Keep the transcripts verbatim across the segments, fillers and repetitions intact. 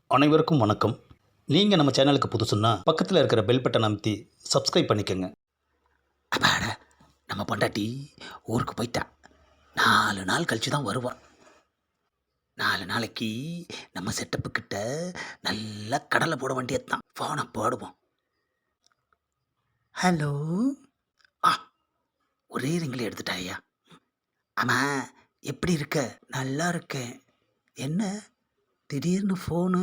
அனைவருக்கும் வணக்கம். நீங்கள் நம்ம சேனலுக்கு புதுசுன்னா பக்கத்தில் இருக்கிற பெல் பட்டன் அமைத்தி சப்ஸ்கிரைப் பண்ணிக்கோங்க. அப்பாடா, நம்ம பொண்டாட்டி ஊருக்கு போயிட்டா. நாலு நாள் கழிச்சு தான் வருவான். நாலு நாளைக்கு நம்ம செட்டப்பு கிட்ட நல்லா கடலை போட வேண்டியது தான். ஃபோனை போடுவோம். ஹலோ. ஆ, ஒரே ரிங்கில் எடுத்துட்டாயா? ஆமாம், எப்படி இருக்க? நல்லா இருக்கேன். என்ன திடீர்னு ஃபோனு?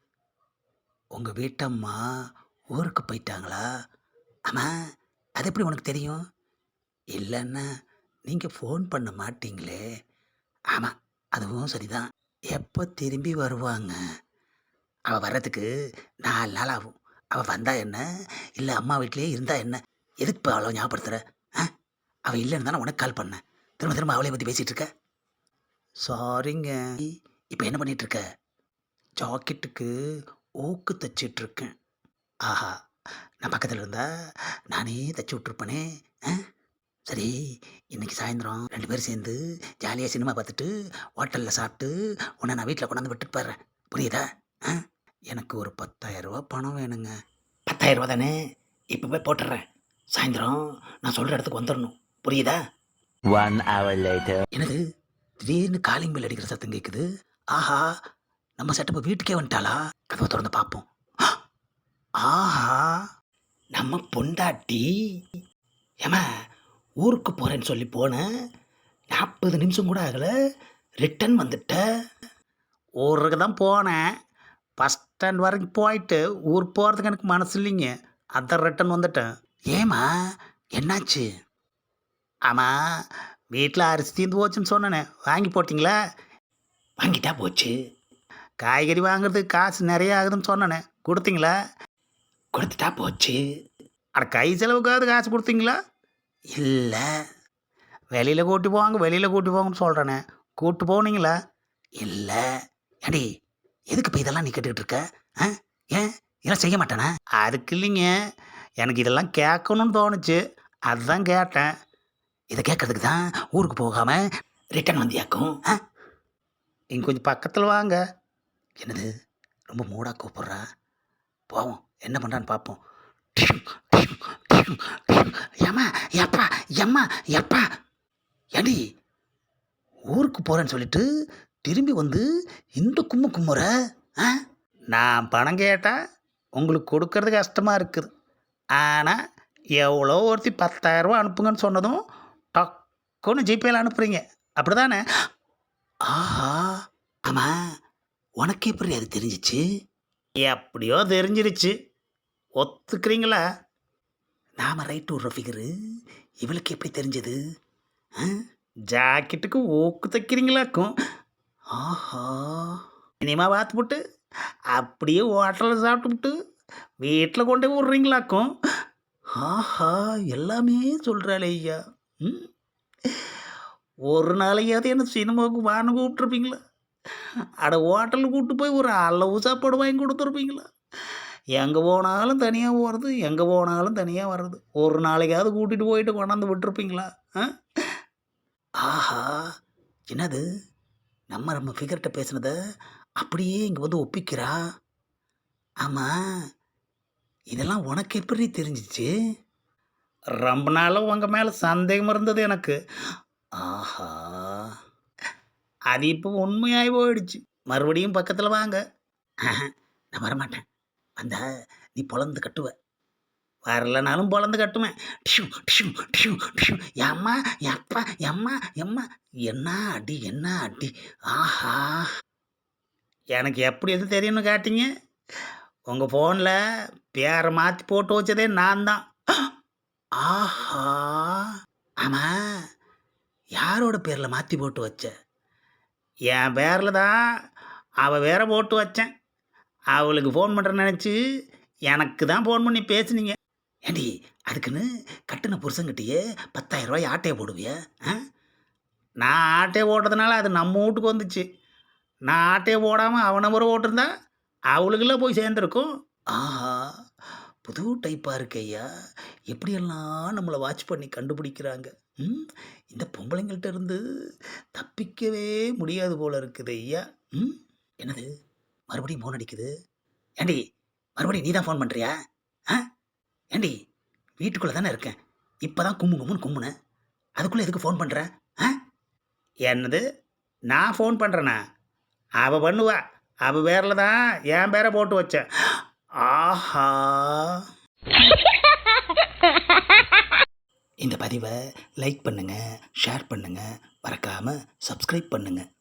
உங்கள் வீட்டம்மா ஊருக்கு போயிட்டாங்களா? ஆமாம், அது எப்படி உனக்கு தெரியும்? இல்லைன்னா நீங்கள் ஃபோன் பண்ண மாட்டீங்களே. ஆமாம், அதுவும் சரிதான். எப்போ திரும்பி வருவாங்க? அவள் வர்றதுக்கு நாலு நாள் ஆகும். அவள் வந்தா என்ன, இல்லை அம்மா வீட்டிலே இருந்தா என்ன? எதுக்கு இப்போ அவ்வளோ ஞாபகப்படுத்துகிற? ஆ, அவள் இல்லைன்னு தானே உனக்கு கால் பண்ணேன். திரும்ப திரும்ப அவளை பற்றி பேசிகிட்டு இருக்க. சாரிங்க. இப்போ என்ன பண்ணிகிட்டு இருக்க? ஜாக்கெட்டுக்கு ஊக்கு தைச்சிட்ருக்கேன். ஆஹா, நான் பக்கத்தில் இருந்தா நானே தைச்சி விட்ருப்பேனே. ஆ, சரி, இன்னைக்கு சாயந்தரம் ரெண்டு பேரும் சேர்ந்து ஜாலியாக சினிமா பார்த்துட்டு ஹோட்டலில் சாப்பிட்டு உன்னை நான் வீட்டில் கொண்டாந்து விட்டுட்டு போடுறேன். புரியுதா? ஆ, எனக்கு ஒரு பத்தாயிரம் ரூபா பணம் வேணுங்க. பத்தாயிரம் ரூபா தானே? இப்போ போய் போட்டுடுறேன். சாயந்தரம் நான் சொல்கிற இடத்துக்கு வந்துடணும். புரியுதா? One hour later. என்னது திடீர்னு காலிங் பெல் அடிக்கிற சத்தம் கேட்குது. ஆஹா, நம்ம செட்டப்பை வீட்டுக்கே வந்துட்டாளா? கதவை திறந்து பார்ப்போம். ஆஹா, நம்ம பொண்டாட்டி. ஏமா, ஊருக்கு போகிறேன்னு சொல்லி போனேன். நாற்பது நிமிஷம் கூட ஆகலை, ரிட்டன் வந்துட்ட. ஊருக்கு தான் போனேன். பஸ் ஸ்டாண்ட் வரைக்கும் போயிட்டு ஊர் போகிறதுக்கு எனக்கு மனசு இல்லைங்க. அதான் ரிட்டன் வந்துட்டேன். ஏமா, என்னாச்சு? ஆமாம், வீட்டில் அரிசி தீர்ந்து போச்சுன்னு சொன்னேனே, வாங்கி போட்டிங்களா? வாங்கிட்டா போச்சு. காய்கறி வாங்குறதுக்கு காசு நிறைய ஆகுதுன்னு சொன்னேனே, கொடுத்தீங்களா? கொடுத்துட்டா போச்சு. அட, கை செலவுக்காவது காசு கொடுத்தீங்களா? இல்லை. வெளியில் கூட்டி போவாங்க வெளியில் கூட்டி போங்கன்னு சொல்கிறேனே, கூப்பிட்டு போனீங்களா? இல்லை. ஏடி, எதுக்கு இப்போ இதெல்லாம் நீ கேட்டுக்கிட்டு இருக்க? ஆ, ஏன் இதெல்லாம் செய்ய மாட்டேனா? அதுக்கு இல்லைங்க, எனக்கு இதெல்லாம் கேட்கணும்னு தோணுச்சு, அதுதான் கேட்டேன். இதை கேட்கறதுக்கு தான் ஊருக்கு போகாமல் ரிட்டன் வந்தியாக்கும். ஆ, இங்கே கொஞ்சம் பக்கத்தில் வாங்க. என்னது, ரொம்ப மூடாக கூப்பிட்றா. போவோம், என்ன பண்ணுறான்னு பார்ப்போம். ஏம்மா, எப்பா எம்மா எப்பா, ஏண்டி ஊருக்கு போகிறேன்னு சொல்லிட்டு திரும்பி வந்து இந்த கும்மு கும்முற? ஆ, நான் பணம் கேட்டால் உங்களுக்கு கொடுக்கறது கஷ்டமாக இருக்குது. ஆனால் எவ்வளோ ஒருத்தி பத்தாயிரரூபா அனுப்புங்கன்னு சொன்னதும் டக்குன்னு ஜிபேயில் அனுப்புகிறீங்க, அப்படி தானே? ஆஹா, ஆமாம், உனக்கு எப்படி அது தெரிஞ்சிச்சு? எப்படியோ தெரிஞ்சிருச்சு, ஒத்துக்கிறீங்களா? நாம் ரைட்டு விட்ற ஃபிகரு இவளுக்கு எப்படி தெரிஞ்சது? ஆ, ஜாக்கெட்டுக்கு ஊக்கு தைக்கிறீங்களாக்கும். ஆஹா, இனிமா பார்த்துப்புட்டு அப்படியே ஹோட்டலில் சாப்பிட்டுவிட்டு வீட்டில் கொண்டு போய் விட்றீங்களாக்கும். ஆஹா, எல்லாமே சொல்கிறாளே ஐயா. ம், ஒரு நாளையாவது என்ன சினிமாவுக்கு வான்னு கூப்பிட்ருப்பீங்களா? அட, ஹோட்டலுக்கு கூப்பிட்டு போய் ஒரு அளவு சாப்பாடு வாங்கி கொடுத்துருப்பீங்களா? எங்கே போனாலும் தனியாக போகிறது, எங்கே போனாலும் தனியாக வர்றது. ஒரு நாளைக்காவது கூட்டிகிட்டு போயிட்டு கொண்டாந்து விட்டுருப்பீங்களா? ஆ, ஆஹா, என்னது, நம்ம நம்ம ஃபிகர்கிட்ட பேசுனத அப்படியே இங்கே வந்து ஒப்பிக்கிறா. ஆமாம், இதெல்லாம் உனக்கு எப்படி தெரிஞ்சிச்சு? ரொம்ப நாளாக உங்கள் மேலே சந்தேகம் இருந்தது எனக்கு. ஆஹா, அது இப்போ உண்மையாகி போயிடுச்சு. மறுபடியும் பக்கத்தில் வாங்க. ஆஹா, நான் வரமாட்டேன். வந்தா நீ பொழந்து கட்டுவ, வரலனாலும் பொழந்து கட்டுவேன். டிஷு டிஷு டிஷு டிஷு. எம்மா எப்பா எம்மா எம்மா, என்ன அடி என்ன அடி. ஆஹா, எனக்கு எப்படி எது தெரியும்னு காட்டிங்க? உங்கள் ஃபோனில் பேரை மாற்றி போட்டு வச்சதே நான் தான். ஆஹா, ஆமாம், யாரோட பேரில் மாற்றி போட்டு வச்ச? என் பேரில் தான். அவள் வேற போட்டு வச்சேன். அவளுக்கு ஃபோன் பண்ணுறேன்னு நினச்சி எனக்கு தான் ஃபோன் பண்ணி பேசுனீங்க. ஏண்டி, அதுக்குன்னு கட்டின புருஷங்கிட்டேயே பத்தாயிரம் ரூபாய் ஆட்டையை போடுவிய? ஆ, நான் ஆட்டையை ஓட்டுறதுனால அது நம்ம வீட்டுக்கு வந்துச்சு. நான் ஆட்டையை போடாமல் அவனை முறை ஓட்டிருந்தா அவளுக்கெல்லாம் போய் சேர்ந்துருக்கும். ஆஹா, புது டைப்பாக இருக்கு ஐயா. எப்படியெல்லாம் நம்மளை வாட்ச் பண்ணி கண்டுபிடிக்கிறாங்க. ம், இந்த பொம்பளைங்கள்ட்ட இருந்து தப்பிக்கவே முடியாது போல இருக்குது ஐயா. ம், என்னது, மறுபடியும் ஃபோன் அடிக்குது. ஏண்டி மறுபடியும் நீ தான் ஃபோன் பண்ணுறியா? ஆ ஏண்டி வீட்டுக்குள்ளே தானே இருக்கேன், இப்போ தான் கும்மு கும்முன்னு கும்முனேன், அதுக்குள்ளே எதுக்கு ஃபோன் பண்ணுற? ஆ என்னது நான் ஃபோன் பண்ணுறேண்ணா? அவள் பண்ணுவா, அவள் பேரில் தான் என் பேரை போட்டு வச்சேன். ஆஹா, இந்த பதிவை லைக் பண்ணுங்கள், ஷேர் பண்ணுங்கள், மறக்காமல் சப்ஸ்கிரைப் பண்ணுங்கள்.